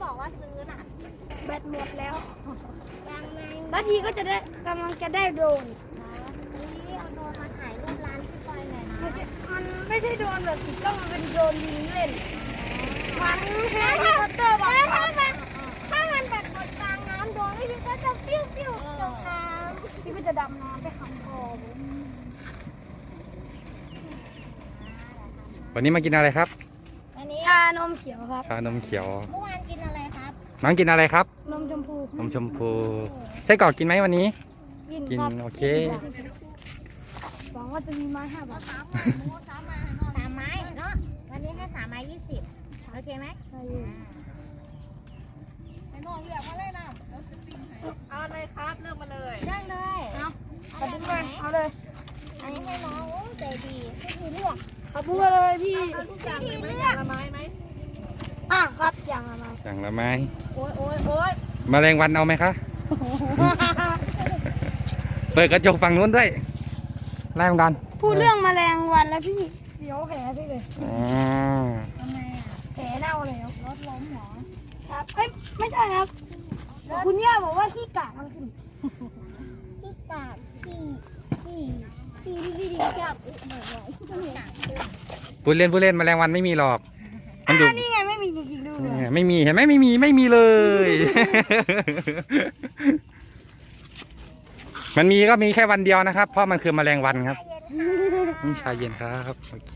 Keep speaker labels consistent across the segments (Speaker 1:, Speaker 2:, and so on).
Speaker 1: บอกว่าซื้อน่ะ
Speaker 2: แบตหมดแล้ว
Speaker 1: ยังไง
Speaker 2: แล้วทีก็จะได้กำลังจะได้โดรน
Speaker 1: นี่เอาโดรนมาถ่ายรูปร้านพี่ปอยหน่อยนะ
Speaker 2: มันไม่ใช่โดรนแบบติดกล้องมันเป็นโดรนยิงเล่นมันแฮร์รี่พอตเตอร์บอก
Speaker 1: ถ้ามันแบบหมดกลางน้ำโดนไม่ใช่ก็จะปิ้วปิ้วจมน้
Speaker 2: ำพี่ก็จะดำน้ำไปคำคอ
Speaker 3: วันนี้มากินอะไรครับ
Speaker 1: อันนี้
Speaker 2: ชานมเขียวครับ
Speaker 3: ชานมเขียว
Speaker 1: เมื่อวานกินอะไรครับ
Speaker 3: น้องกินอะไรครับ
Speaker 2: นมชมพู
Speaker 3: นมชมพูไส้กรอกกินไหมวันนี้กินโอเค
Speaker 2: หวังว่าจะมีไม้5 บาท
Speaker 1: 3 ไม้เนาะวันนี้ให้3 ไม้ 20โอเคไหมไอ้น้องเลือกมาเลยนะ
Speaker 4: เอาเลยครับเลือกมาเลย
Speaker 1: เลือกเลย
Speaker 2: เอาดึงมาเอาเลย
Speaker 1: อันนี้ให้น้องโอ้ใจดีให้พี่เลือก
Speaker 2: เอาพูดเลยพี่
Speaker 4: พี่เลือกละไม้ไหม
Speaker 2: ครับอย่างละไม้
Speaker 3: อย่างละไม้
Speaker 4: โอ้ย
Speaker 3: แมลงวันเอาไหมคะเปิดกระจกฝั่งนู้นด้วยไล่มันกัน
Speaker 2: พูดเรื่องแมลงวันแล้วพี่เดี๋ยวแผลพี่เลย
Speaker 1: ทำไม
Speaker 2: แผลเน่าแล้วรถล้มหรอครับไม่ใช่ครับคุณย่าบอกว่าขี้กากมันขึ้น
Speaker 1: ขี้กากขี้ที่พี่ดีชอบ
Speaker 3: พูดเล่นแมลงวันไม่มีหรอก
Speaker 2: นี่ไงไม่มีจริงๆด้วย
Speaker 3: ไม่มีเห็นไหมไม่มีเลยมันมีก็มีแค่วันเดียวนะครับเพราะมันคือแมลงวันครับนี่ชาเย็นครับโอเค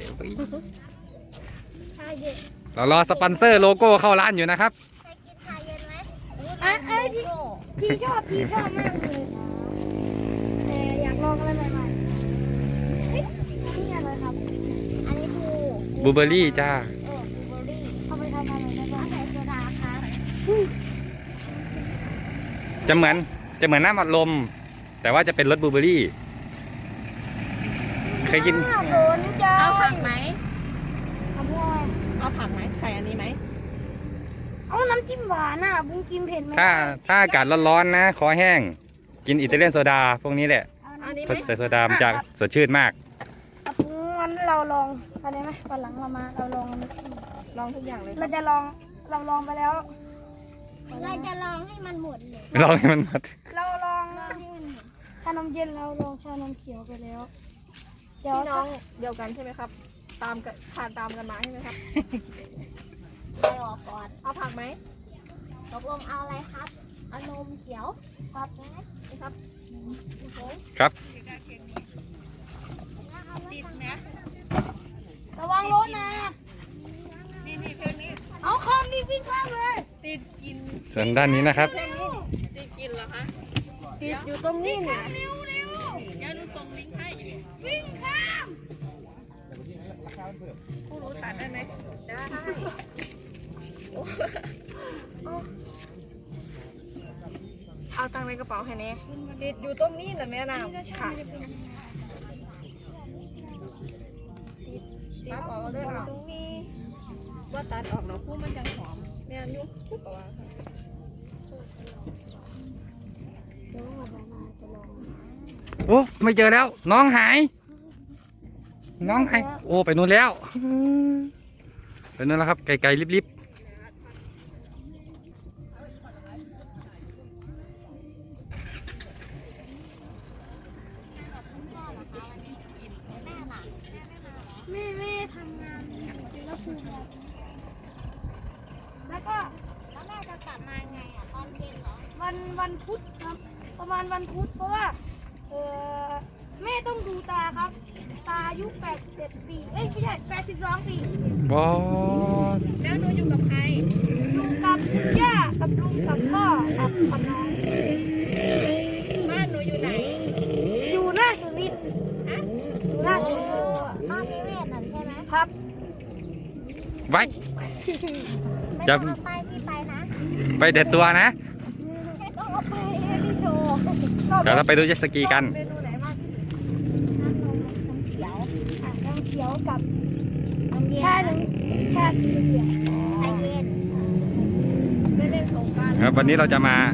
Speaker 3: เรารอสปอนเซอร์โลโก้เข้าร้านอยู่นะครับ
Speaker 1: ใครกินชาเย็นไหม
Speaker 2: พี่ชอบมากเลยแต่อยากลองอะไรใหม่ๆนี่อะไรครับ
Speaker 1: อันนี้คื
Speaker 3: อบลูเบอร์รี่จ้า
Speaker 2: เอาไปทำอะไรได้บ้าง
Speaker 1: ใส่โซดาครับ
Speaker 3: จะเหมือนน้ำอัดลมแต่ว่าจะเป็นรสบลูเบอร์รี่เคยกิน
Speaker 4: เอาผักไหม
Speaker 2: เอา
Speaker 4: ผักไหมใส่อันนี้ไหม
Speaker 2: เอาน้ำจิ้มหวานบุ้งกินเผ็ดไหม
Speaker 3: ถ้าอากาศร้อนๆนะคอแห้งกินอิตาเลียนโซดาพวกนี้แหละใส่โซดามันจะสดชื่นมาก
Speaker 2: งั้นเราลองอะไรไหมวันหลังเราลอง
Speaker 4: ทุกอย่างเลย
Speaker 2: เราลองไปแล้ว
Speaker 1: เราจะลองให้มันหมดเลย
Speaker 3: ลองให้มันหมด
Speaker 2: เราลองชานมเย็นเราลองชานมเขียวไปแล้ว
Speaker 4: พี่น้องเดียวกันใช่ไหมครับตามกันมาใช่ไหมครับ
Speaker 1: ไปออกก่อน
Speaker 4: เอาผักไหม
Speaker 1: ตกลงเอาอะไรครับเอานมเขียว
Speaker 4: ครับ
Speaker 3: ครับ
Speaker 4: ติดไหม
Speaker 2: ระวังรถนะ
Speaker 4: นี่เพลงนี้
Speaker 2: เอาข้ามวิ่งข้ามเลย
Speaker 4: ติดกิน
Speaker 3: ส่วนด้านนี้นะครับ
Speaker 4: ติดกินเหรอคะ
Speaker 2: ติดอยู่ตรงนี้เนี่ย
Speaker 4: อย่าดูส่งลิงก์ให้
Speaker 2: วิ่งข้าม
Speaker 4: ผู้รู้ตัดได้ไหมได้เอาตังค์ในกระเป๋าแค่นี้ติดอยู่ตรงนี้แต่แม่น้ำค่ะตัดออกด้วยตรงนี้ว่าตัดออกเราพูดมันยังหอมแม่ยุบพูดกว่า
Speaker 3: โอ้ไม่เจอแล้วน้องหายโอ้ไปนู่นแล้วไปนู่นแล้วครับไกลๆลิบ
Speaker 2: แม่ทำงานแล้วคือแล้ว
Speaker 1: แม่จะกลับมาไงตอนเย็นเหรอ
Speaker 2: วันพุธครับประมาณวันพุธเพราะว่าแม่ต้องดูตาครับตาอายุ81 ปีไม่ใช่82 ปี
Speaker 3: บอส
Speaker 4: แล้วหนูอยู่กับใคร
Speaker 2: อยู่กับคุณย่ากับลุงกับพ่อกับน้อง
Speaker 4: บ้านหนูอยู่ไหน
Speaker 2: อยู่หน้าสุรินทร์หน้าสุรินทร์
Speaker 1: บ้านนิเวศนั่นใช่ไหม
Speaker 2: ครับ
Speaker 3: ไว้
Speaker 1: ไม่ต้องเอาไปที่ไปนะ
Speaker 3: ไปเด็ดตัวนะ
Speaker 1: ต้องเอาไปให้พี่โชว์
Speaker 3: เดี๋ยวเราไปดูเจ็ตสกีกัน
Speaker 2: เมนูไหนมากน้ำเขียวกับชาสีเหลือง
Speaker 1: ชาเย็น
Speaker 4: ไม่เล่นสงกรานต์
Speaker 3: ครับวันนี้เราจะมา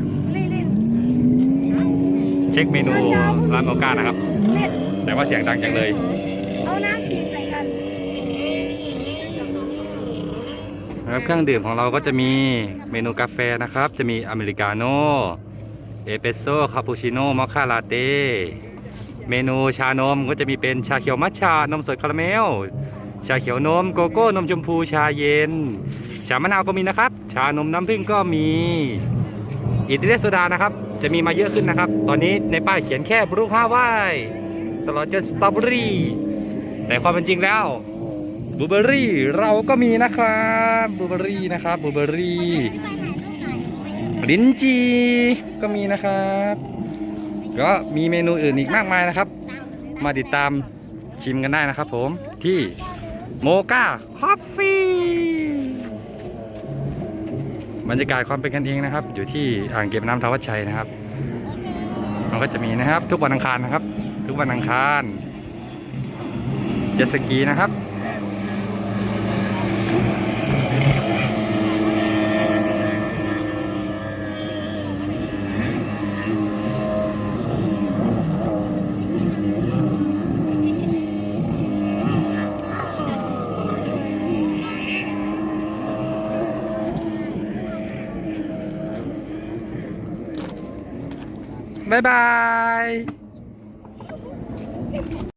Speaker 3: เช็คเมนูร้านโอก้านะครับแต่ว่าเสียงดังจังเลย
Speaker 2: เอาน้ำสีใส่กัน
Speaker 3: ครับเครื่องดื่มของเราก็จะมีเมนูกาแฟนะครับ จะมีอเมริกาโน่เอสเปรสโซ่คาปูชิโน่มอคค่าลาเต้เมนูชานมก็จะมีเป็นชาเขียวมัทฉะนมสดคาราเมลชาเขียวนมโกโก้นมชมพูชาเย็นชามะนาวก็มีนะครับ ชานมน้ำผึ้งก็มีอิตาเลียนโซดานะครับจะมีมาเยอะขึ้นนะครับ ตอนนี้ในป้ายเขียนแค่บรูฮาวายตลอดจนสตรอเบอรี่แต่ความเป็นจริงแล้วบลูเบอร์รี่เราก็มีนะครับบลูเบอร์รี่นะครับบลูเบอร์รี่ลิ้นจี่ก็มีนะครับก็มีเมนูอื่นอีกมากมายนะครับ มาติดตามชิมกันได้นะครับผมที่โมกาคอฟฟี่บรรยากาศความเป็นกันเองนะครับอยู่ที่อ่างเก็บน้ำทวัชชัยนะครับมันก็จะมีนะครับทุกวันอังคารนะครับทุกวันอังคารเจ็ตสกีนะครับบ๊ายบาย